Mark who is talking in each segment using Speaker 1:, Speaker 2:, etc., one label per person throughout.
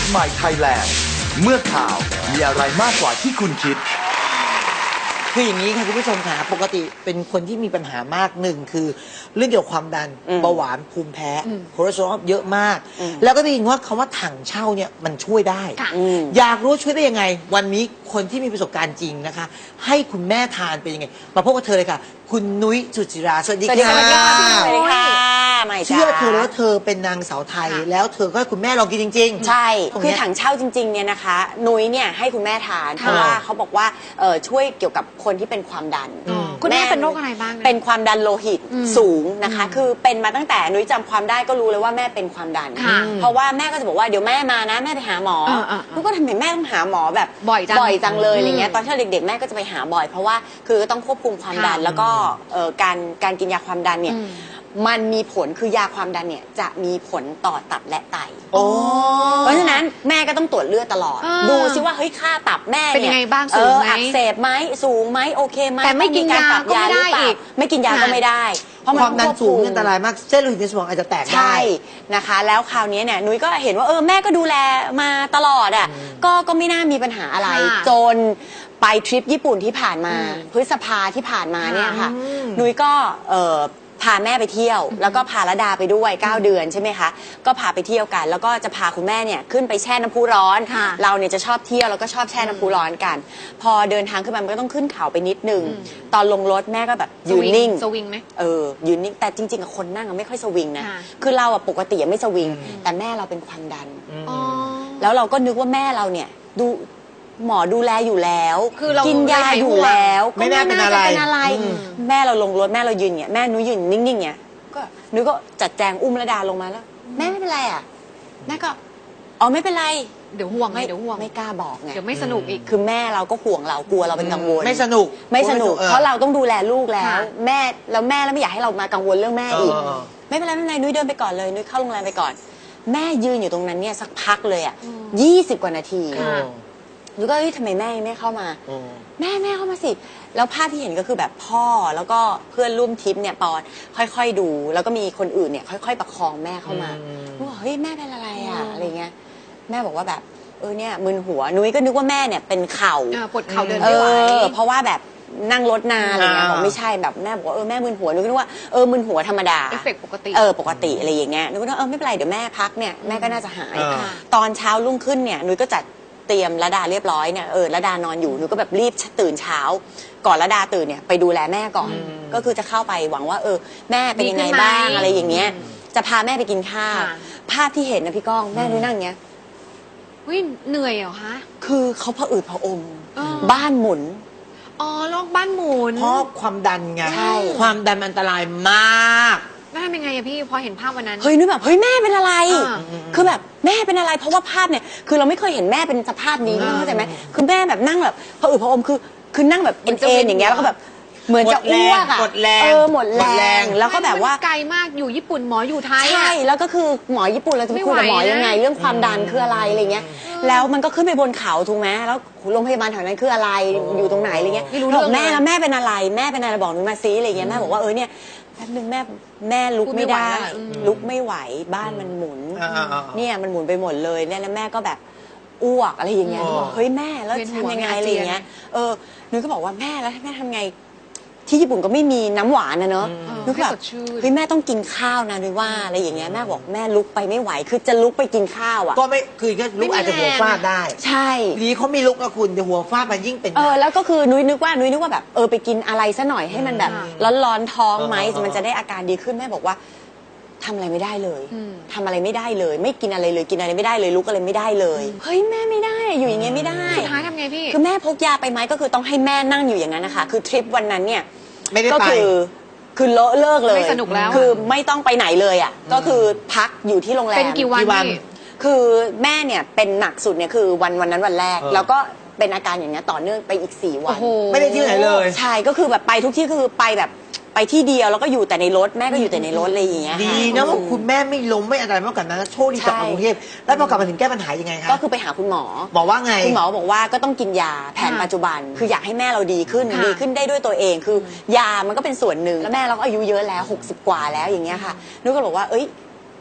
Speaker 1: ใหม่ไทยแลนด์เมื่อข่าวมีอะไรมากกว่าที่คุณคิด
Speaker 2: คืออย่างนี้ค่ะคุณผู้ชมค่ะปกติเป็นคนที่มีปัญหามากหนึ่งคือเรื่องเกี่ยวกับความดันเบาหวานภูมิแพ้คอเลสเตอรอลเยอะมากแล้วก็ได้ยินว่าคำว่าถังเช่าเนี่ยมันช่วยได้อยากรู้ช่วยได้ยังไงวันนี้คนที่มีประสบการณ์จริงนะคะให้คุณแม่ทานเป็นยังไงมาพบกับเธอเลยค่ะคุณนุ้ยสุจิราสวัสดีค่ะ
Speaker 3: สวัสดีค่ะ
Speaker 2: เชื่อเธอแล้วเธอเป็นนางสาวไทยแล้วเธอก็ให้คุณแม่ลองกินจริงๆ
Speaker 3: ใช่คือถังเช่าจริงๆเนี่ยนะคะนุ้ยเนี่ยให้คุณแม่ทานเพราะว่าเขาบอกว่าช่วยเกี่ยวกับคนที่เป็นความดัน
Speaker 4: คุณแม่เป็นโรคอะไรบ้าง
Speaker 3: เป็นความดันโลหิตสูงนะคะคือเป็นมาตั้งแต่นุ้ยจำความได้ก็รู้เลยว่าแม่เป็นความดันเพราะว่าแม่ก็จะบอกว่าเดี๋ยวแม่มานะแม่ไปหาหมอนุ้ยก็ทำไมแม่ต้องหาหมอแบบ
Speaker 4: บ่อย
Speaker 3: จังเลยอะไรเงี้ยตอนที่เด็กๆแม่ก็จะไปหาบ่อยเพราะว่าคือต้องควบคุมความดันแล้วก็การกินยาความดันเนี่ยมันมีผลคือยาความดันเนี่ยจะมีผลต่อตับและไตเพราะฉะนั้นแม่ก็ต้องตรวจเลือดตลอดดูซิว่าเฮ้ยค่าตับแม่
Speaker 4: เป็นยังไงบ้างสูงไหม
Speaker 3: อักเสบไหมสูงไหมโอเคไหม
Speaker 4: แต่ไม่กินยาก็ไม่ได้อีก
Speaker 3: ไม่กินยาก็ไม่ได้
Speaker 2: เพราะความดันสูงอันตรายมากเส้นโลหิตในสมองอาจจะแตกได้
Speaker 3: ใช่นะคะแล้วคราวนี้เนี่ยนุ้ยก็เห็นว่าแม่ก็ดูแลมาตลอดอ่ะก็ไม่น่ามีปัญหาอะไรจนไปทริปญี่ปุ่นที่ผ่านมาพฤษภาที่ผ่านมาเนี่ยค่ะนุ้ยก็พาแม่ไปเที่ยวแล้วก็พาระดาไปด้วย9 เดือนใช่ไหมคะก็พาไปเที่ยวกันแล้วก็จะพาคุณแม่เนี่ยขึ้นไปแช่น้ำพุร้อนเราเนี่ยจะชอบเที่ยวแล้วก็ชอบแช่น้ำพุร้อนกันพอเดินทางขึ้นมามันก็ต้องขึ้นเขาไปนิดนึงตอนลงรถแม่ก็แบบยืนนิ่ง
Speaker 4: สวิงไหม
Speaker 3: ยืนนิ่งแต่จริงๆคนนั่งไม่ค่อยสวิงนะคือเราปกติไม่สวิงแต่แม่เราเป็นความดันแล้วเราก็นึกว่าแม่เราเนี่ยหมอดูแลอยู่แล้วกินยาอยู่แล้วก็ไม่น่าจะเป็นอะไรแม่เราลงรถแม่เรายืนเนี่ยแม่นุ้ยยืนนิ่งๆเนี่ยก็นุ้ยก็จัดแจงอุ้มระดาลงมาแล้วแม่ไม่เป็นไรอ่ะแม่ก็ไม่เป็นไร
Speaker 4: เดี๋ยวห่วง
Speaker 3: ไม่กล้าบอกไง
Speaker 4: เดี๋ยวไม่สนุกอีก
Speaker 3: คือแม่เราก็ห่วงเรากลัวเราเป็นกังวล
Speaker 2: ไม่สนุก
Speaker 3: เพราะเราต้องดูแลลูกแล้วแม่แล้วไม่อยากให้เรามากังวลเรื่องแม่อีกไม่เป็นไรนุ้ยเดินไปก่อนเลยนุ้ยเข้าโรงแรมไปก่อนแม่ยืนอยู่ตรงนั้นเนี่ยสักพักเลยอ่ะ20 กว่านาทีนุ้ยก็ทำไมแม่ไม่เข้ามาแม่เข้ามาสิแล้วภาพที่เห็นก็คือแบบพ่อแล้วก็เพื่อนร่วมทริปเนี่ยปอนค่อยๆดูแล้วก็มีคนอื่นเนี่ยค่อยๆประคองแม่เข้ามาว่าเฮ้ยแม่เป็นอะไรอะอะไรเงี้ยแม่บอกว่าแบบเนี่ยมึนหัวนุ้ยก็นึกว่าแม่เนี่ยเป็นเข่า
Speaker 4: ปวดเข่าเดินไม่ไหว
Speaker 3: เพราะว่าแบบนั่งรถนานอะไรเงี้ยบอกไม่ใช่แบบแม่บอกว่าแม่มึนหัวนุ้ยก็นึกว่ามึนหัวธรรมดา
Speaker 4: เอฟเฟกต์ปกติ
Speaker 3: ปกติอะไรอย่างเงี้ยนุ้ยก็นึกไม่เป็นไรเดี๋ยวแม่พักเนี่ยแม่ก็น่าจะหายตอนเช้ารุ่งขึ้นเนี่ยนุ้ยก็จัดเตรียมระดาเรียบร้อยเนี่ยระดานอนอยู่นุ้ยก็แบบรีบตื่นเช้าก่อนระดาตื่นเนี่ยไปดูแลแม่ก่อนก็คือจะเข้าไปหวังว่าแม่เป็นยังไงบ้างอะไรอย่างเงี้ยจะพาแม่ไปกินข้าวภาพที่เห็นนะพี่ก้องแม่นุ้ยนั่งเงี้ย
Speaker 4: เหนื่อยเหรอคะ
Speaker 3: คือเขาผะอืดผะอมบ้านหมุน
Speaker 4: โรคบ้านหมุน
Speaker 2: เพราะความดันไงความดันอันตรายมาก
Speaker 4: แล้วทำยังไงอะพี่พอเห็นภาพวันนั้น
Speaker 3: นุ้ยแบบแม่เป็นอะไรคือแบบแม่เป็นอะไรเพราะว่าภาพเนี่ยคือเราไม่เคยเห็นแม่เป็นสภาพนี้เข้าใจไหมคือแม่แบบนั่งแบบผะอืดผะอมคือนั่งแบบเอ็นอย่างเงี้ยแล้วก็แบบเหมือนจะอ้วกอะหมดแรงแล้วก็แบบว่า
Speaker 4: ไกลมากอยู่ญี่ปุ่นหมออยู่ไทย
Speaker 3: ใช่แล้วก็คือหมอญี่ปุ่นเราจะไปคุยกับหมอยังไงเรื่องความดันคืออะไรอะไรเงี้ยแล้วมันก็ขึ้นไปบนเขาถูกไหมแล้วโรงพยาบาลแถวนั้นคืออะไรอยู่ตรงไหนอะไรเงี้ยบอกแม่แล้วแม่เป็นอะไรบอกหนูมาซิอะไรเงี้ยแม่บอกว่าเนี่ยแป๊บนึงแม่ลุกไม่ได้ลุกไม่ไหวบ้านมันหมุนเนี่ยมันหมุนไปหมดเลยเนี่ยแล้วแม่ก็แบบอ้วกอะไรอย่างเงี้ยบอกเฮ้ยแม่แล้วทำยังไงอะไรเงี้ยนุ้ยก็บอกว่าแม่แล้วแม่ทำไงที่ญี่ปุ่นก็ไม่มีน้ำหวานนะเนอะนุ้ยแบบเฮ้ยแม่ต้องกินข้าวนะนุ้ยว่าอะไรอย่างเงี้ยแม่บอกแม่ลุกไปไม่ไหวคือจะลุกไปกินข้าวอ่ะ
Speaker 2: ก็ไม่คือก็ลุกอาจจะหัวฟาดได้
Speaker 3: ใช่
Speaker 2: ดีเขาไม่ลุกนะคุณแต่หัวฟาดมันยิ่งเป็น
Speaker 3: แล้วก็คือนุ้ยนึกว่าแบบไปกินอะไรซะหน่อยให้มันแบบร้อนๆท้องไหมมันจะได้อาการดีขึ้นแม่บอกว่าทำอะไรไม่ได้เลยทำอะไรไม่ได้เลยไม่กินอะไรเลยกินอะไรไม่ได้เลยลุกอะไรไม่ได้เลยเฮ้ยแม่ไม่ได้อยู่อย่างเงี้ยไม่ได้
Speaker 4: สุดท้ายทำไงพี่
Speaker 3: คือแม่พกยาไปไหมก็คือต้องให้แม่นั่งอยู่อย่างนั้นนะคะคือทริปวันนั้นเนี่ย
Speaker 2: ก็
Speaker 3: คือเลิกเลย
Speaker 4: ไม่สนุกแล้ว
Speaker 3: คือไม่ต้องไปไหนเลยอ่ะก็คือพักอยู่ที่โรงแรม
Speaker 4: เป็นกี่วัน
Speaker 3: คือแม่เนี่ยเป็นหนักสุดเนี่ยคือวันนั้นวันแรกแล้วก็เป็นอาการอย่างเงี้ยต่อเนื่องไปอีก4 วัน
Speaker 2: ไม่ได้ที่ไหนเลย
Speaker 3: ใช่ก็คือแบบไปทุกที่คือไปแบบไปที่เดียวแล้วก็อยู่แต่ในรถแม่ก็อยู่แต่ในรถอะไรอย่างเงี้ย
Speaker 2: ดีนะว่าคุณแม่ไม่ล้มไม่อะไรมากกว่านั้นโชคดีกลับมากรุงเทพแล้วพอกลับมาถึงแก้ปัญหายังไงคะ
Speaker 3: ก็คือไปหาคุณหมอ
Speaker 2: บอกว่าไง
Speaker 3: คุณหมอบอกว่าก็ต้องกินยาแผนปัจจุบันคืออยากให้แม่เราดีขึ้นได้ด้วยตัวเองคือยามันก็เป็นส่วนหนึ่งแล้วแม่เราก็อายุเยอะแล้ว60 กว่าแล้วอย่างเงี้ยค่ะนุ้ยก็บอกว่า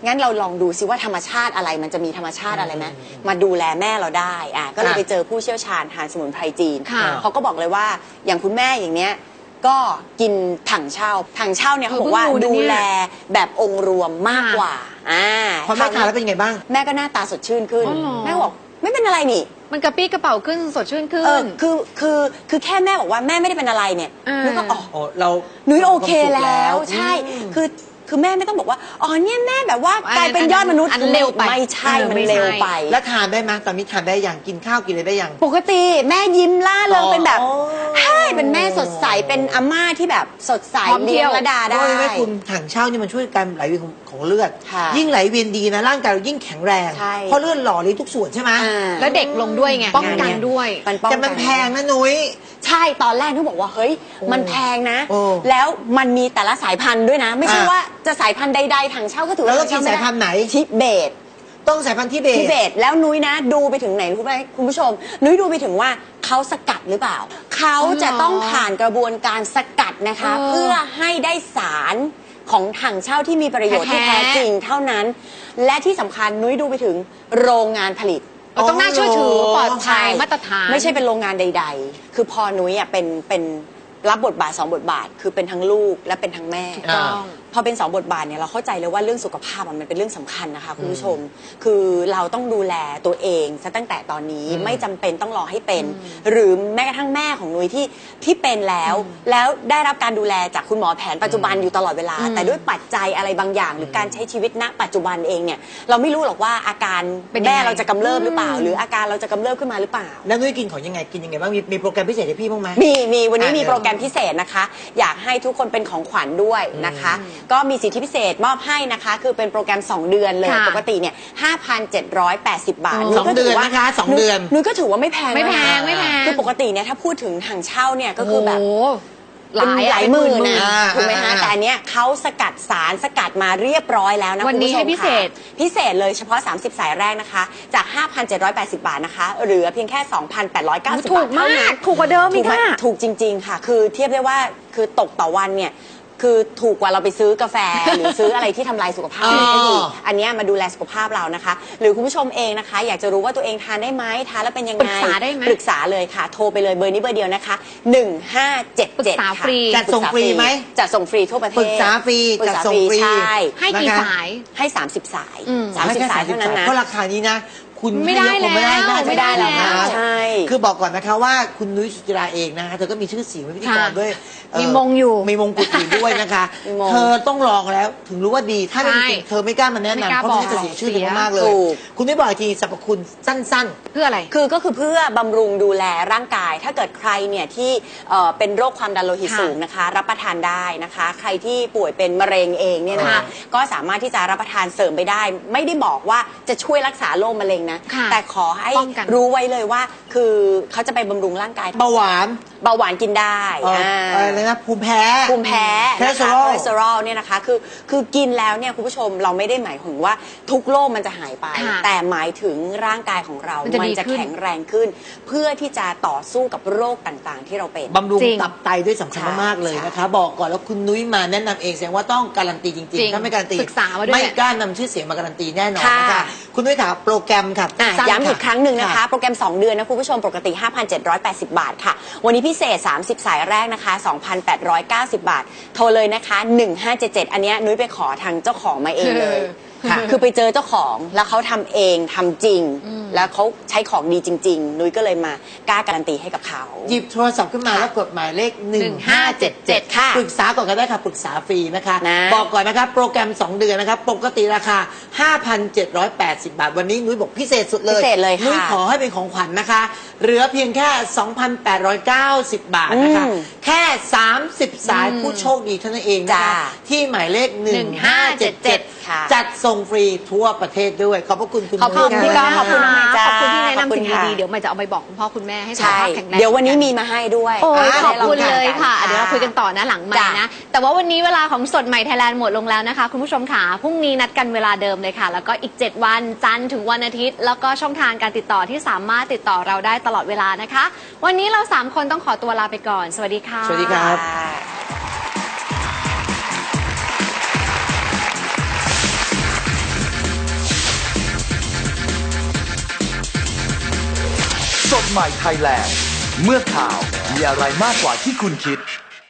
Speaker 3: งั้นเราลองดูซิว่าธรรมชาติอะไรมันจะมีธรรมชาติอะไรไหมมาดูแลแม่เราได้ก็เลยไปเจอผู้เชี่ยวชาญทางสมุนไพรจีน
Speaker 4: ค่ะ
Speaker 3: เขาก็บอกเลยว่าอย่างคุณแม่อย่างเนี้ยก็กินถังเช่าเนี่ยเขาบอกว่า
Speaker 4: เพิ่งรู้นะเนี่ย
Speaker 3: ดูแลแบบองค์รวมมากกว่า
Speaker 2: พอแม่ทานแล้วเป็นไงบ้าง
Speaker 3: แม่ก็หน้าตาสดชื่นขึ้น
Speaker 4: อ๋อเหรอ
Speaker 3: แม่ก็บอกไม่เป็นอะไรนี่
Speaker 4: มันกระปี้กระเป๋าขึ้นสดชื่นขึ้น
Speaker 3: คือแค่แม่บอกว่าแม่ไม่ได้เป็นอะไรเนี่ย
Speaker 4: อ่า
Speaker 3: นุ้ยก็อ๋อ
Speaker 2: โอ้เรา
Speaker 3: นุ้ยโอเคแล้ว
Speaker 2: อืม
Speaker 3: ใช่คือแม่ไม่ต้องบอกว่าอ๋อเนี่ยแม่แบบว่ากลายเป็นยอดมนุษย์
Speaker 4: อันเร็วไป
Speaker 3: ไม่ใช่
Speaker 4: เออ
Speaker 3: มัน
Speaker 4: ไม่ใช่
Speaker 3: เร็วไป
Speaker 2: แล้วทานได้ไหมตอนนี้ทานได้ยังกินข้าวกินอะไรได้ยัง
Speaker 3: ปกติแม่ยิ้มล่าเริง
Speaker 2: อ๋อ
Speaker 3: เป็นแบบใช่เป็นแม่สดใสเป็นอาม่าที่แบบสดใส
Speaker 4: พร้อมเที่
Speaker 3: เลี้ย
Speaker 4: ย
Speaker 3: ง
Speaker 4: ว
Speaker 3: ระดาได้
Speaker 2: เพราะว่าคุณถังเช่านี่มันช่วยการไหลเวียนของเลือด
Speaker 3: ค่ะ
Speaker 2: ยิ่งไหลเวียนดีนะร่างกายเรายิ่งแข็งแรง
Speaker 3: ใช่
Speaker 2: เพราะเลือดหล่อเลี้ยงทุกส่วนใช่ไหม
Speaker 4: แล้วเด็กลงด้วยไงป้องกันด้วย
Speaker 3: มันป้อง
Speaker 2: แต่
Speaker 3: กั
Speaker 2: มันแพงนะนุ้ย
Speaker 3: ใช่ตอนแรกนุ้ยบอกว่าเฮ้ยมันแพงนะ
Speaker 2: โอ้
Speaker 3: แล้วมันมีแต่ละสายพันธุ์ด้วยนะ ไม่ใช่
Speaker 2: อ่ะ
Speaker 3: ว่าจะสายพันธุ์ใดๆถังเช่าก็ถือ
Speaker 2: แล้
Speaker 3: ว่าว
Speaker 2: เรากิน
Speaker 3: ถังเช่
Speaker 2: สายพันธุ์ไหน
Speaker 3: ทิเบต
Speaker 2: ต้องสายพันธุ์ทิเบ
Speaker 3: ทิ
Speaker 2: ต
Speaker 3: เบตแล้วนุ้ยนะดูไปถึงไหนรู้ไหมคุณผู้ชม นุ้ยดูไปถึงว่าเขาสกัดหรือเปล่า เขาจะต้องผ่านกระบวนการสกัดนะคะ
Speaker 4: เออ
Speaker 3: เพื่อให้ได้สารของถังเช่าที่มีประโยชน์ที่
Speaker 4: แท้
Speaker 3: แท้จริงเท่านั้น และที่สำคัญนุ้ยดูไปถึงโรงงานผลิต
Speaker 4: ต้องน่าเชื่อถือปลอดภัยมาตรฐาน
Speaker 3: ไม่ใช่เป็นโรงงานใด ๆ คือพอนุ้ยอ่ะเป็นรับบทบาท2บทบาท คือเป็นทั้งลูกและเป็นทั้งแม่
Speaker 4: ถูกต้อง
Speaker 3: พอเป็น2บทบาทเนี่ยเราเข้าใจเลยว่าเรื่องสุขภาพมันเป็นเรื่องสำคัญนะคะคุณผู้ชม คือเราต้องดูแลตัวเองซะตั้งแต่ตอนนี้ไม่จำเป็นต้องรอให้เป็น หรือแม้กระทั่งแม่ของนุ้ยที่เป็นแล้วได้รับการดูแลจากคุณหมอแผนปัจจุบันอยู่ตลอดเวลา แต่ด้วยปัจจัยอะไรบางอย่าง หรือการใช้ชีวิตณปัจจุบันเองเนี่ยเราไม่รู้หรอกว่าอาการ
Speaker 4: เป็นยังไง
Speaker 3: แม่เราจะกำเริบหรือเปล่า หรืออาการเราจะกำเริบขึ้นมาหรือเปล่า
Speaker 2: แล้วนุ้ยกินของยังไงกินยังไงบ้างมีโปรแกรมพิเศษให้พี่บ้างไหม
Speaker 3: มีวันนี้
Speaker 2: อ่ะ
Speaker 3: มีโปรแกรมพิเศษนะคะ อยากให้ทุกคนเป็นของขวัญด้วยนะคะ ก็มีสิทธิพิเศษมอบให้นะคะ คือเป็นโปรแกรม 2 เดือนเลย
Speaker 4: ค่ะ
Speaker 3: ปกติเนี่ย 5,780 บาท
Speaker 4: โอ้
Speaker 3: นุ้ยก็ถืว่า
Speaker 2: 2 เดือนนะคะ2 เดือน
Speaker 3: นุ้ยก็ถือว่าไม่แพง
Speaker 4: ไม่แพง
Speaker 3: นะ
Speaker 4: ไม่แพง
Speaker 3: คือปกติเนี่ยถ้าพูดถึงถังเช่าเนี่ยก็คือแบบ
Speaker 4: โอ้โห
Speaker 3: เป็นหลายหมื่นนะ
Speaker 2: อ่า
Speaker 3: ถูกไหมคะ
Speaker 2: อ่า
Speaker 3: แต่อันเนี้ยเขาสกัดสารสกัดมาเรียบร้อยแล้วนะ
Speaker 4: วันนี้
Speaker 3: คุณผู้ชม
Speaker 4: ให้พิเศษ
Speaker 3: ค่ะพิเศษเลยเฉพาะ 30 สายแรกนะคะ จาก 5,780 บาทนะคะเหลือเพียงแค่ 2,890
Speaker 4: ถู
Speaker 3: บาท
Speaker 4: ก
Speaker 3: เท่านั้
Speaker 4: มาก
Speaker 3: น
Speaker 4: ถูกกว่าเดิม
Speaker 3: ถู
Speaker 4: อี
Speaker 3: ก
Speaker 4: ก
Speaker 3: ไหม
Speaker 4: ค่ะ
Speaker 3: ถูกจริง ๆ ค่ะ คือเทียบได้ว่าคือตกต่อวันเนี่ยคือถูกกว่าเราไปซื้อกาแฟ หรือซื้ออะไรที่ทำลายสุขภาพ
Speaker 2: อ๋อ
Speaker 3: ได้อีกอันเนี้ยมาดูแลสุขภาพเรานะคะ หรือคุณผู้ชมเองนะคะ อยากจะรู้ว่าตัวเองทานได้ไหมทานแล้วเป็นยังไง
Speaker 4: ปรึกษาได้ไหม
Speaker 3: ปรึกษาเลยค่ะ โทรไปเลยเบอร์นี้เบอร์เดียวนะคะ1577
Speaker 4: ปรึกษาฟรี
Speaker 3: ค่ะ
Speaker 2: จัดส่งฟรีไหม
Speaker 3: จัดส่งฟรีทั่วประเทศ
Speaker 2: ปรึกษาฟรี
Speaker 3: ปรึก
Speaker 2: จัด
Speaker 3: ษา
Speaker 2: ส่งฟรี
Speaker 3: ใช่
Speaker 4: ให้กี่
Speaker 2: นะคะ
Speaker 4: สาย
Speaker 3: ให้ 30 สาย
Speaker 4: อืม
Speaker 3: 30 สายเท่านั้นนะ
Speaker 2: เพราะราคานี้นะ คุณ
Speaker 4: ไม่ได้
Speaker 2: ให้เยอะคงไม่ได้
Speaker 4: แล้ว
Speaker 2: น่าจะ
Speaker 4: ไม่ได้แล้ว
Speaker 2: นะ
Speaker 3: ใช่
Speaker 2: คือบอกก่อนนะคะว่าคุณนุ้ยสุจิราเองนะคะเธอก็มีชื่อเสียงเป็นพิธีกร
Speaker 4: ค่ะ
Speaker 2: ด้วยเ
Speaker 4: มีมงอยู่
Speaker 2: มีมงกุฎอยู่ด้วยนะคะ
Speaker 3: มีมง
Speaker 2: เธอต้องลองแล้วถึงรู้ว่าดีถ้าไม่จริง
Speaker 4: ใช่
Speaker 2: เธอไม่กล้ามาแนะ
Speaker 4: ไม่ก
Speaker 2: นำ
Speaker 4: ล้า
Speaker 2: เพราะ
Speaker 4: บอก
Speaker 2: เธอจะเสียชื่อเธอ
Speaker 4: เสีย
Speaker 2: มากๆเลย
Speaker 3: ถูก
Speaker 2: คุณไม่บอกอีกทีสรรพคุณสั้น
Speaker 4: เพื่ออะไร
Speaker 3: ก็คือเพื่อบำรุงดูแลร่างกาย ถ้าเกิดใครเนี่ยที่เป็นโรคความดันโลหิต
Speaker 4: ค่ะ
Speaker 3: สูงนะคะ รับประทานได้นะคะ ใครที่ป่วยเป็นมะเร็งเองเนี่ยนะคะ
Speaker 4: ค่ะ
Speaker 3: ก็สามารถที่จะรับประทานเสริมไปได้ ไม่ได้บอกว่าจะช่วยรักษาโรคมะเร็งนะ
Speaker 4: ค่ะ
Speaker 3: แต่ขอให้
Speaker 4: ป้องกัน
Speaker 3: รู้ไว้เลยว่า คือเขาจะไปบำรุงร่างกาย
Speaker 2: ๆ เบาหวาน
Speaker 3: เบาหวานกินได้
Speaker 2: อะไรนะภูมิแพ้
Speaker 3: ภูมิแพ้
Speaker 2: คอเล
Speaker 3: นะ
Speaker 2: สเตอ
Speaker 3: คะ
Speaker 2: รอ
Speaker 3: ค
Speaker 2: ล
Speaker 3: อเลสเตอรอลเนี่ยนะคะคือกินแล้วเนี่ยคุณผู้ชมเราไม่ได้หมายถึงว่าทุกโรคมันจะหายไป
Speaker 4: ค่ะ
Speaker 3: แต่หมายถึงร่างกายของเรา
Speaker 4: มันจะดี
Speaker 3: จะ
Speaker 4: ขึ้น
Speaker 3: แข็งแรงขึ้น เพื่อที่จะต่อสู้กับโรคต่างๆ ที่เราเป็น
Speaker 2: บำรุง
Speaker 4: จริง
Speaker 2: ตับไตด้วยสำคัญ
Speaker 3: ใช่
Speaker 2: มากๆเลย
Speaker 3: ใช่
Speaker 2: นะคะ บอกก่อนแล้วคุณนุ้ยมาแนะนำเองแสดงว่าต้องการันตีจ
Speaker 4: จริ
Speaker 2: ริง
Speaker 4: ง
Speaker 2: ๆถ้าไม่การันตี
Speaker 4: ศึกษามาด้วย
Speaker 2: ไม่กล้านำชื่อเสียงมาการันตีแน่นอน
Speaker 3: ค่ะ
Speaker 2: นะคะคุณนุ้ยถามโปรแกรมค่ะ
Speaker 3: อ่ะ
Speaker 2: สั้น
Speaker 3: ย้ำอีกครั้งหนึ่งนะคะ
Speaker 2: ค่ะ
Speaker 3: โปรแกรม 2 เดือนนะคุณผู้ชมปกติ 5,780 บาทค่ะ วันนี้พิเศษ 30 สายแรกนะคะ 2,890 บาท โทรเลยนะคะ 1577 อันเนี้ยนุ้ยไปขอทางเจ้าของมาเองเลย
Speaker 2: ค่ะ
Speaker 3: คือไปเจอเจ้าของแล้วเขาทำเองทำจริง แล้วเขาใช้ของดีจริง ๆ นุ้ยก็เลยมากล้าการันตีให้กับเขา
Speaker 2: หยิบโทรศัพท์ขึ้นมาแล้วกดหมายเลข 1577
Speaker 3: ค่ะ
Speaker 2: ปรึกษาก่อนก็ได้ค่ะปรึกษาฟรีนะคะ
Speaker 3: นะ
Speaker 2: บอกก่อนนะคะโปรแกรม 2 เดือนนะคะปกติราคา 5,780 บาท วันนี้นุ้ยบอกพิเศษสุดเลย
Speaker 3: พิเศษเลยค่ะ
Speaker 2: นุ้ยขอให้เป็นของขวัญนะคะ เหลือเพียงแค่ 2,890 บาทนะคะ แค่ 30 สายผู้โชคดีเท่านั้นเองนะคะ
Speaker 3: จ้า
Speaker 2: ที่หมายเลข 1577
Speaker 3: ค่ะ
Speaker 2: จัดส่งฟรีทั่วประเทศด้วย ขอบพระคุณคุณ
Speaker 3: ขอบคุณ
Speaker 2: นุ้ย
Speaker 3: พี่ก้อง
Speaker 2: ะ
Speaker 3: ขอบคุณน้องใหม่จ้า
Speaker 4: ขอบคุณที่แนะนำสิ่ง
Speaker 3: ขอบคุณค่ะ
Speaker 4: ดีๆ เดี๋ยวใหม่จะเอาไปบอกคุณพ่อคุณแม่ให้สุข
Speaker 3: ใช่
Speaker 4: ภาพแข็งแรง
Speaker 3: เดี๋ยววันนี้มีมาให้ด้วย
Speaker 4: โอ้ย
Speaker 3: ะ
Speaker 4: ขอบคุณ
Speaker 3: ได้
Speaker 4: เลยค่ะ
Speaker 3: กัน
Speaker 4: เดี๋ยวเราคุยกันต่อนะหลังใหม่
Speaker 3: จ้ะ
Speaker 4: นะ แต่ว่าวันนี้เวลาของสดใหม่ไทยแลนด์หมดลงแล้วนะคะ คุณผู้ชมค่ะพรุ่งนี้นัดกันเวลาเดิมเลยค่ะ แล้วก็อีก 7 วันจันทร์ถึงวันอาทิตย์ แล้วก็ช่องทางการติดต่อที่สามารถติดต่อเราได้ตลอดเวลานะคะ วันนี้เรา 3 คนต้องขอตัวลาไปก่อน สวัสดีค่ะ
Speaker 2: สวัสดีครับ
Speaker 3: ะ
Speaker 1: สดใหม่ไทยแลนด์ เมื่อข่าวมีอะไรมากกว่าที่คุณคิด